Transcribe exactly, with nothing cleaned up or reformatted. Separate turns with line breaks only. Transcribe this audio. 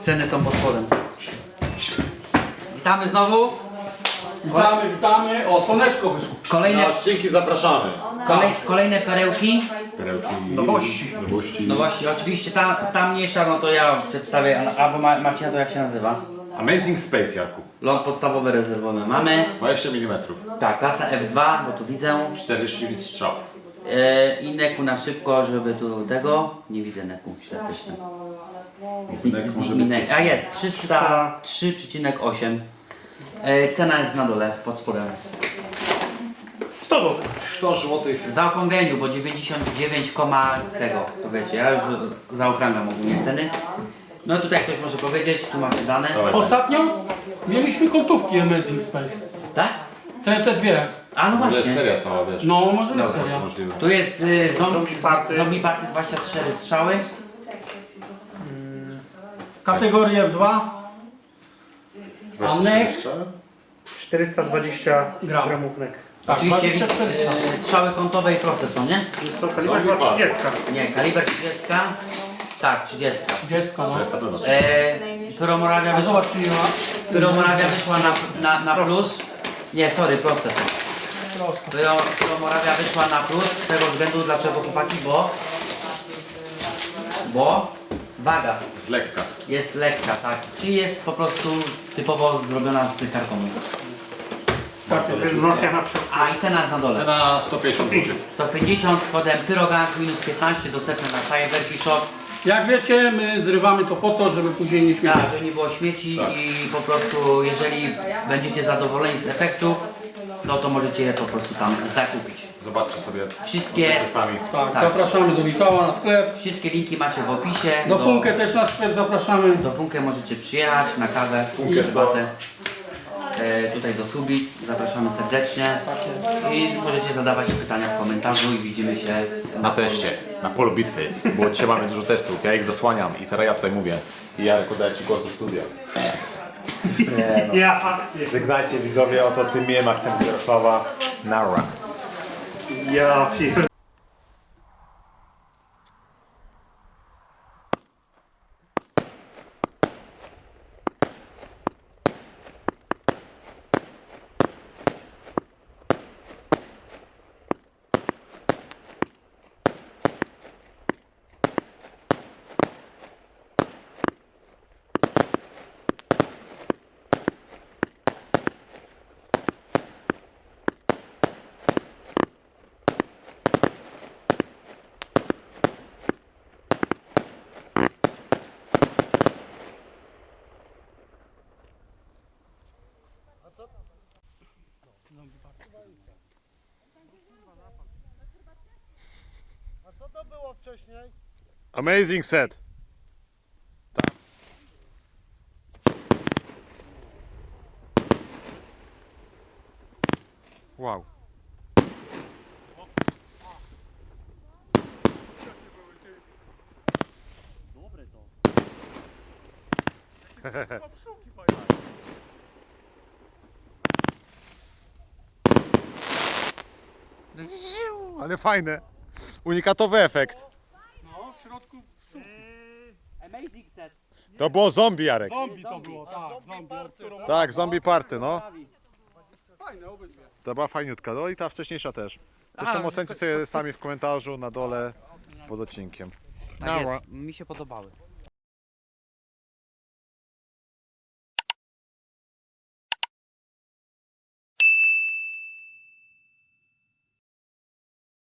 Ceny są pod spodem. Witamy znowu.
Witamy, witamy. O, słoneczko wyszło.
Kolejne,
Na odcinki zapraszamy.
kolej, kolejne perełki.
Perełki,
Nowości.
nowości.
No właśnie, oczywiście ta, ta mniejsza, no to ja przedstawię, albo Ma- Marcina, to jak się nazywa?
Amazing Space, Jarku.
Lot podstawowy rezerwowy mamy.
dwadzieścia milimetrów.
Tak, klasa F dwa, bo tu widzę.
czterdzieści litrów strzał.
E, I neku na szybko, żeby tu tego. Nie widzę neku, statyczny.
Nek może
Z-
być
z- A jest, trzysta trzy przecinek osiem. E, cena jest na dole, pod spodem.
sto złotych.
sto złotych.
W zaokrągleniu, bo dziewięćdziesiąt dziewięć, tego, to wiecie, ja już zaokrąglam ogólnie ceny. No tutaj ktoś może powiedzieć, tu macie dane.
Dawaj.
Ostatnio mieliśmy kątówki Amazing Space.
Tak?
Te, te dwie.
A no
To jest
właśnie.
seria cała, wiesz.
No, może być
Dobra,
seria.
to możliwe.
Tu jest y, zombie,
Zombie Party.
zombie Party dwadzieścia cztery strzały.
Kategoria F dwa.
dwadzieścia
nek?
cztery strzały?
czterysta dwadzieścia
Gram.
gramów nek.
Tak,
Oczywiście
dwadzieścia cztery strzały.
y, strzały kątowe i proste są, nie?
Jest to kaliber
Zombie
chyba
Party.
trzydzieści.
Nie, kaliber trzydzieści. Tak, trzydzieści.
trzydzieści, no.
To jest na pewno.
E, Pyromorawia
A
wyszła,
zobacz, ile ma.
Pyromorawia wyszła na, na, na plus. Nie, sorry, proste są.
Prosto.
Pyro- Pyromorawia wyszła na plus z tego względu, dlaczego chłopaki, bo... Bo waga
Jest lekka.
jest lekka, tak. Czyli jest po prostu typowo zrobiona z kartonu.
To jest wzmacniana w środku.
A i cena jest na dole.
Cena sto pięćdziesiąt złotych.
sto pięćdziesiąt z kodem Pyrogang minus piętnaście dostępne na Cyberkey Shop.
Jak wiecie, my zrywamy to po to, żeby później nie śmiać.
Tak, żeby nie było śmieci
Tak.
i po prostu jeżeli będziecie zadowoleni z efektów, no to możecie je po prostu tam zakupić.
Zobaczcie sobie.
Wszystkie-
Ocencie sami.
Tak,
Tak.
zapraszamy do Michała na sklep.
Wszystkie linki macie w opisie.
Do Funkę też na sklep zapraszamy.
Do Funkę możecie przyjechać na kawę,
Funkę
herbatę. E, tutaj do Subic, zapraszamy serdecznie i możecie zadawać pytania w komentarzu i widzimy się
Na teście, na polu bitwy, bo dzisiaj mamy dużo testów, ja ich zasłaniam i teraz ja tutaj mówię. I Jarek, oddaję Ci głos do studia.
Ja faktycznie.
Żegnajcie widzowie, oto tym miłym akcentem Jarosława. Nara.
Ja pier...
Amazing set. Wow. Ale fajne. Unikatowy efekt.
No, w środku pszczółki.
Amazing set.
To było zombie, Jarek.
Zombie to było, tak. Zombie, od którą...
Tak, zombie party, no.
Fajne obydwie.
To była fajniutka. No i ta wcześniejsza też. Zresztą
wszystko-
ocencie sobie sami w komentarzu na dole pod odcinkiem.
Tak jest, mi się podobały.